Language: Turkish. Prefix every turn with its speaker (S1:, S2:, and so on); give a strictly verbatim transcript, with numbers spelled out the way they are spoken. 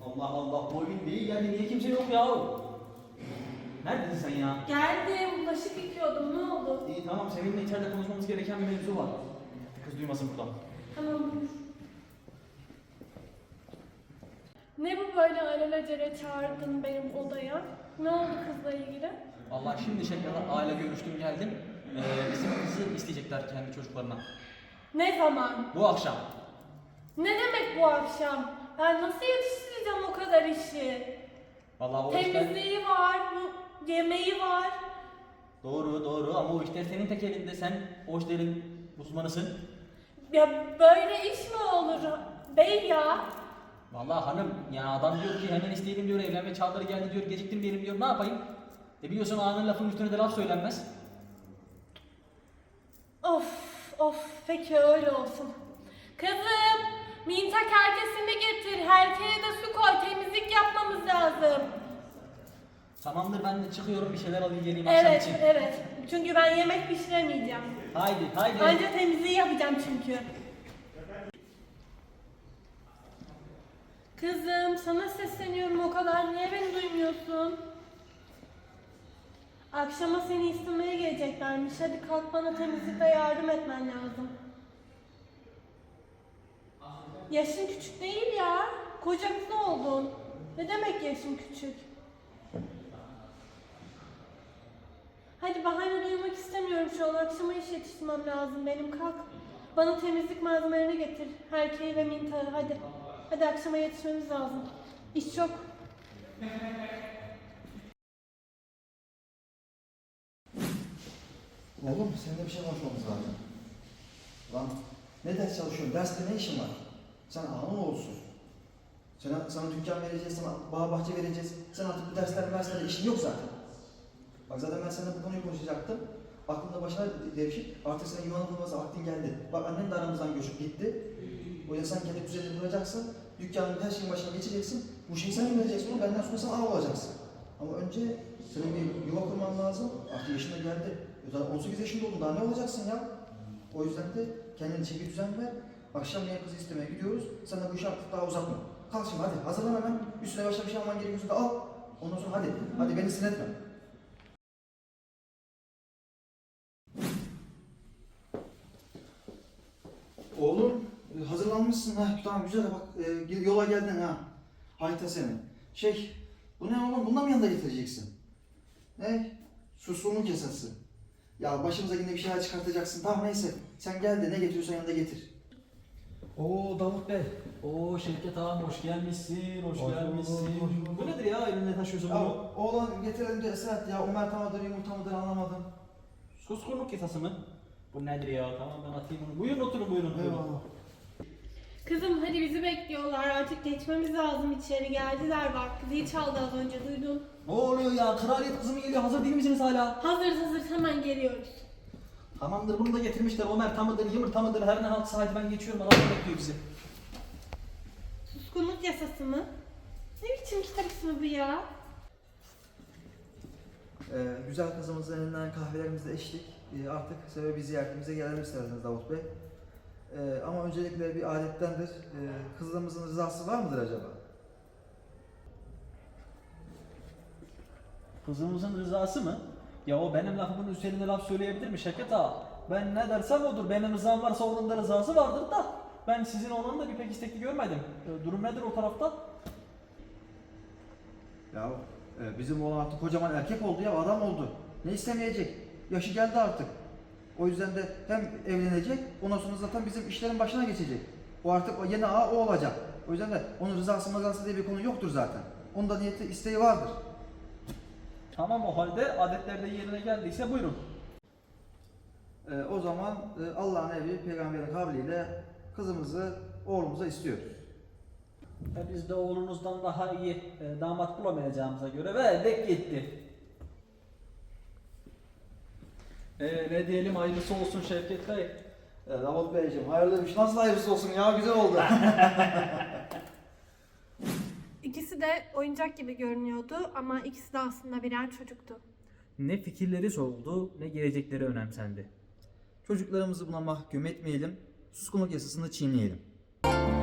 S1: Allah Allah, bu evin değil yani, niye kimse yok ya? Neredesin sen ya?
S2: Geldim, bulaşık yıkıyordum, ne oldu?
S1: İyi tamam, seninle içeride konuşmamız gereken bir mevzu var. Kız duymasın buradan.
S2: Tamam, buyur. Ne bu böyle alelacele çağırdın benim odaya? Ne oldu kızla ilgili?
S1: Vallahi şimdi şeklinde aile görüştüm geldim. Ee, bizim kızı isteyecekler kendi çocuklarına.
S2: Ne zaman?
S1: Bu akşam.
S2: Ne demek bu akşam? Ben nasıl yetiştireceğim o kadar işi?
S1: Vallahi o işler...
S2: Temizliği var, bu yemeği var.
S1: Doğru doğru ama o işler senin tek elinde, sen o işlerin uzmanısın.
S2: Ya böyle iş mi olur bey ya?
S1: Vallahi hanım ya, adam diyor ki hemen isteyelim diyor, evlenme çağları geldi diyor, geciktim diyelim diyor, ne yapayım? E biliyorsun ağanın lafın üstüne de laf söylenmez.
S2: Of of, peki öyle olsun. Kızım, mintak herkesini getir, herkese de su koy, temizlik yapmamız lazım.
S1: Tamamdır, ben de çıkıyorum, bir şeyler alayım geleyim akşam
S2: Evet
S1: için.
S2: evet, çünkü ben yemek pişiremeyeceğim.
S1: Haydi haydi.
S2: Anca temizliği yapacağım çünkü. Kızım, sana sesleniyorum o kadar, niye beni duymuyorsun? Akşama seni istemeye geleceklermiş. Hadi kalk, bana temizlikte yardım etmen lazım. Yaşın küçük değil ya. Koca kız oldun. Ne demek yaşın küçük? Hadi bahane duymak istemiyorum şu an. Akşama iş yetiştirmem lazım benim. Kalk. Bana temizlik malzemelerini getir. Herkeği ve mintarı hadi. Hadi akşama yetişmemiz lazım. İş çok.
S3: Oğlum seninle bir şey konuşmamız lazım. Lan ne ders çalışıyorsun? Derste ne işin var? Sen ağın olsun. Sana, sana dükkan vereceğiz, sana bağ bahçe vereceğiz. Sen artık bu derslerle derslerde işin yok zaten. Bak zaten ben seninle bu konuyu konuşacaktım. Aklımda başına devşik. Artık senin yuvanın kurması vaktin geldi. Bak annen de aramızdan göçüp gitti. O yüzden sen kendi düzenini kuracaksın. Dükkanın her şeyin başına geçeceksin. Bu şeyi sen yöneteceksin. Onu benden sonra sen ağa olacaksın. Ama önce senin bir yuva kurman lazım. Artık yaşın da geldi. Zaten on sekiz yaşında oldun, daha ne olacaksın ya? O yüzden de kendine çeki düzen ver. Akşam yine kızı istemeye gidiyoruz. Sen de bu işi artık daha uzatma. Kalk şimdi hadi, hazırlan hemen. Üstüne başka bir şey alman gerekiyorsa da al. Ondan sonra hadi, hadi beni sinir etme. Oğlum, e, hazırlanmışsın ha. Tamam güzel bak, e, yola geldin ha. Hayta seni. Şey, bu ne oğlum? Bundan mı yanında getireceksin? Ne? Suskunluk yasası. Ya başımıza yine bir şeyler çıkartacaksın. Tamam neyse. Sen gel de ne getiriyorsan yanında getir.
S1: Oo Davut Bey. Oo Şevket ağam, hoş gelmişsin, hoş,
S3: Hoş
S1: gelmişsin.
S3: bulduk, hoş bulduk.
S1: Bu nedir ya, elinde taşıyorsun
S3: Ya
S1: bunu?
S3: oğlan getirelim de Esat ya. Ömer tamadır, yumurta mıdır anlamadım.
S1: Suskunluk yasası mı? Bu nedir ya? Tamam ben atayım bunu. Buyurun oturun, buyurun. buyurun.
S3: Eyvallah.
S2: Kızım hadi bizi bekliyorlar. Artık geçmemiz lazım içeri. Geldiler bak. Zil çaldı az önce, duydun.
S1: Ne oluyor ya? Kraliyet kızı mı geliyor? Hazır değil misiniz hala?
S2: Hazır hazır, hemen geliyoruz.
S1: Tamamdır, bunu da getirmişler. Ömer tamıdır, yumurta mıdır? Her ne haltsa, hadi ben geçiyorum. Adam bekliyor bizi.
S2: Suskunluk yasası mı? Ne biçim kitap ismi bu ya?
S3: Ee, güzel kızımızın elinden kahvelerimizle içtik. Ee, artık sebebi ziyaretimize gelelim isterseniz Davut Bey. Ee, ama öncelikle bir adettendir. Ee, kızımızın rızası var mıdır acaba?
S1: Kızımızın rızası mı? Ya o benim lafımın üzerine laf söyleyebilir mi Şevket ağa? Ben ne dersem odur. Benim rızam varsa onun da rızası vardır da. Ben sizin oğlanı da bir pek istekli görmedim. Ee, Durum nedir o tarafta?
S3: Ya e, bizim oğlan artık kocaman erkek oldu ya, adam oldu. Ne istemeyecek? Yaşı geldi artık. O yüzden de hem evlenecek, ondan sonra zaten bizim işlerin başına geçecek. O artık o yeni ağa o olacak. O yüzden de onun rızası mızası diye bir konu yoktur zaten. Onun da niyeti, isteği vardır.
S1: Tamam, o halde adetler de yerine geldiyse buyurun.
S3: Ee, o zaman e, Allah'ın emri, peygamberin kavliyle kızımızı oğlumuza istiyoruz.
S1: E biz de oğlunuzdan daha iyi e, damat bulamayacağımıza göre verdik gitti. E, ne diyelim, hayırlısı olsun Şevket Bey.
S3: Ee, Davut Beyciğim hayırlıymış. Nasıl hayırlısı olsun ya, güzel oldu.
S2: İkisi de oyuncak gibi görünüyordu ama ikisi de aslında birer çocuktu.
S4: Ne fikirleri soruldu, ne gelecekleri önemsendi.
S3: Çocuklarımızı buna mahkum etmeyelim, suskunluk yasasını çiğneyelim.